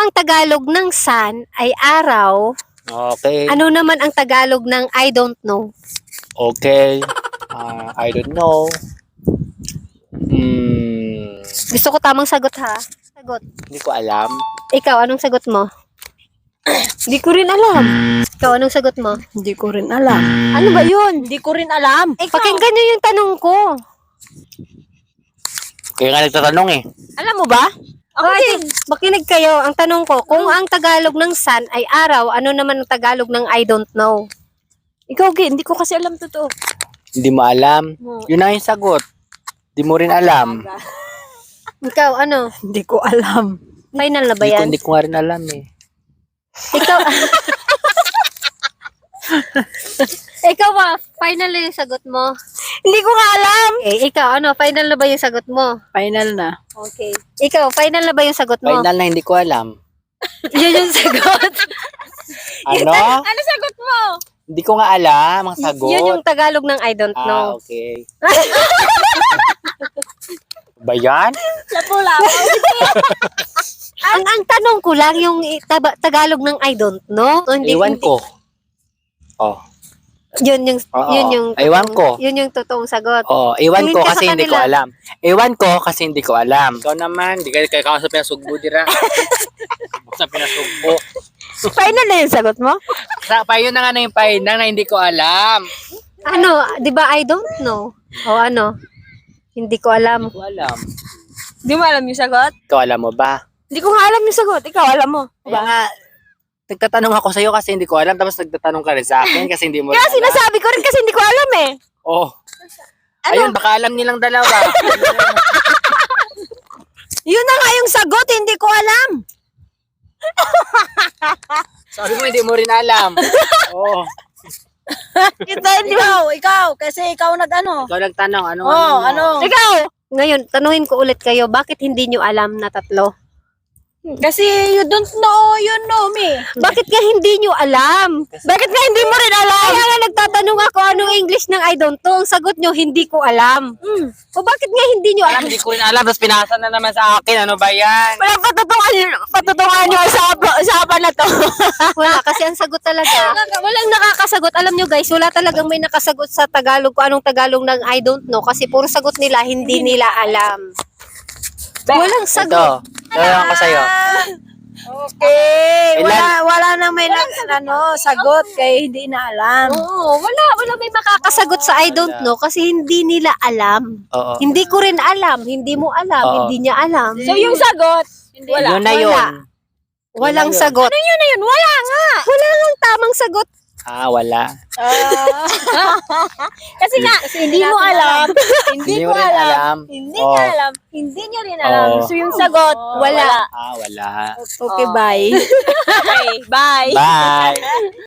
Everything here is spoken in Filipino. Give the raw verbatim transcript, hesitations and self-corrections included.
ang Tagalog ng sun ay araw, Okay. ano naman ang Tagalog ng I don't know? Okay. Ah, I don't know. Hmm, Gusto ko tamang sagot ha. Sagot. hindi ko alam. Ikaw, anong sagot mo? Hindi ko rin alam. Ikaw, anong sagot mo? Hindi ko rin alam. Ano ba yun? Hindi ko rin alam. Pakinggan nyo yung tanong ko. Kaya nga nagtatanong eh. Alam mo ba? Ako Bakit? din. Makinig kayo. Ang tanong ko, kung ang Tagalog ng sun ay araw, ano naman ang Tagalog ng I don't know? Ikaw, Gi, hindi ko kasi alam totoo. Hindi mo alam. Hmm. Yun na yung sagot. Hindi mo rin alam. Ikaw, ano? Hindi ko alam. Final na ba Hindi ko, yan? hindi ko nga rin alam eh. Ikaw, ikaw ba? Final na yung sagot mo? Hindi ko nga alam. Okay, ikaw, ano? Final na ba yung sagot mo? Final na. Okay. Ikaw, final na ba yung sagot mo? Final na hindi ko alam. Yun yung sagot. Ano? Ano sagot mo? Hindi ko nga alam ang sagot. Yun yung Tagalog ng I don't Ah, know. okay. Ba yan? Lapo-lapo. Ang ang tanong ko lang yung i- taba- Tagalog ng I don't know. O, hindi, Ewan hindi- ko. Oh. Yun yung Oo. yun yung Ewan totoong- ko. Yun yung totoong sagot. Oh, ewan Tingin ko ka sa kasi hindi ko kanila. alam. Ewan ko kasi hindi ko alam. Ikaw naman, di ka kaya ka sa pinasugbo dira. Sa pinasugbo. Final na yung sagot mo? Sa pa yun na nga na yung pahinang na hindi ko alam. Ano, 'di ba I don't know? O ano? Hindi ko alam. Hindi ko alam. Hindi mo alam yung sagot? Ikaw alam mo ba? Hindi ko nga alam yung sagot. Ikaw, alam mo. Kaya nga, nagtatanong ako sa'yo kasi hindi ko alam, tapos nagtatanong ka rin sa akin kasi hindi mo rin Kaya alam. sinasabi ko rin kasi hindi ko alam eh. Oh. Ayun, baka alam nilang dalawa. Yun na nga yung sagot, hindi ko alam. Sabi mo hindi mo rin alam. Oh. Ito, ikaw, ikaw, kasi ikaw nag-ano. Ikaw nagtanong, ano? Oh, ano? Ikaw, ngayon tanungin ko ulit kayo, bakit hindi nyo alam na tatlo? Kasi you don't know, you know me. Bakit nga hindi nyo alam? Bakit nga hindi mo rin alam? Kaya nga nagtatanong ako anong English ng I don't know. Ang sagot nyo, hindi ko alam. Hmm. O bakit nga hindi nyo Alam, alam? hindi ko rin alam, tapos pinasa na naman sa akin. Ano ba yan? Wala patutungan, patutungan yung usapan, usapan na to. Wala, kasi ang sagot talaga, walang nakakasagot. Alam nyo guys, wala talagang may nakasagot sa Tagalog kung anong Tagalog ng I don't know. Kasi puro sagot nila, hindi nila alam. Walang sagot. Ito, tanong ko sa'yo. Okay, Ilan? wala, wala nang may nag, ano, sagot kay hindi na alam. Oo, wala, wala may makakasagot sa I don't know kasi hindi nila alam. Oo. Hindi ko rin alam, hindi mo alam, Oo. hindi niya alam. So yung sagot, wala. Yun na yun. Wala. Walang yun. sagot. Ano yun na yun? Wala nga. Wala lang tamang sagot. Ah, wala. Kasi nga, hindi mo alam. Hindi Hindi ko mo rin alam. alam. Hindi Oh. niya alam. Hindi niya rin alam. Oh. So yung sagot, wala. Ah, wala. Okay, bye. Okay, bye. Bye!